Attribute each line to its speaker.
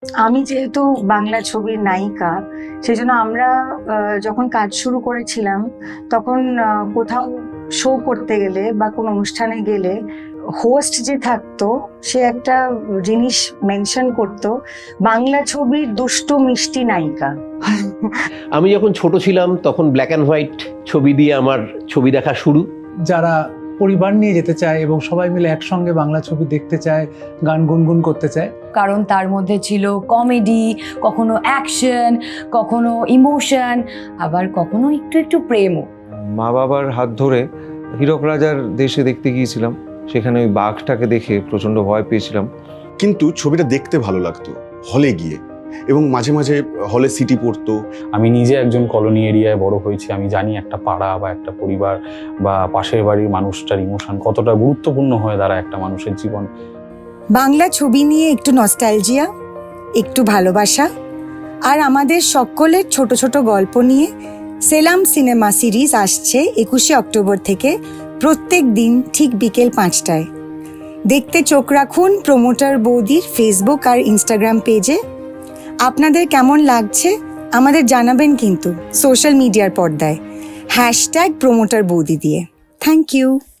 Speaker 1: আমি যেহেতু বাংলা ছবির নায়িকা, সেই জন্য আমরা যখন কাজ শুরু করেছিলাম তখন কোথাও শো করতে গেলে বা কোনো অনুষ্ঠানে গেলে হোস্ট যে থাকতো সে একটা জিনিস মেনশন করতো, বাংলা ছবির দুষ্টু মিষ্টি নায়িকা।
Speaker 2: আমি যখন ছোট ছিলাম তখন ব্ল্যাক অ্যান্ড হোয়াইট ছবি দিয়ে আমার ছবি দেখা শুরু।
Speaker 3: যারা পরিবার নিয়ে যেতে চায় এবং সবাই মিলে একসঙ্গে বাংলা ছবি দেখতে চায়, গান গুনগুন করতে চায়,
Speaker 4: কারণ তার মধ্যে ছিল কমেডি, কখনো অ্যাকশন, কখনো ইমোশন, আবার কখনো একটু একটু প্রেমও।
Speaker 5: মা বাবার হাত ধরে হীরক রাজার দেশে দেখতে গিয়েছিলাম, সেখানে ওই বাঘটাকে দেখে প্রচণ্ড ভয় পেয়েছিলাম।
Speaker 6: কিন্তু ছবিটা দেখতে ভালো লাগতো হলে গিয়ে, এবং মাঝে মাঝে হলে সিটি পড়তো।
Speaker 7: আমি নিজে একজন কলোনি এরিয়ায় বড় হয়েছি, আমি জানি একটা পাড়া বা একটা পরিবার বা পাশের বাড়ির মানুষটার ইমোশন কতটা গুরুত্বপূর্ণ হয়ে দাঁড়ায় একটা মানুষের জীবন।
Speaker 8: বাংলা ছবি নিয়ে একটু নস্টালজিয়া, একটু ভালোবাসা আর আমাদের সকলের ছোট ছোট গল্প নিয়ে সেলাম সিনেমা সিরিজ আসছে 21শে অক্টোবর থেকে প্রত্যেক দিন ঠিক বিকেল 5টায়। দেখতে চোখ রাখুন প্রমোটার বৌদির ফেসবুক আর ইনস্টাগ্রাম পেজে। আপনাদের কেমন লাগছে আমাদের জানাবেন কিন্তু সোশ্যাল মিডিয়ার পর্দায় #প্রমোটার বৌদি দিয়ে। Thank you.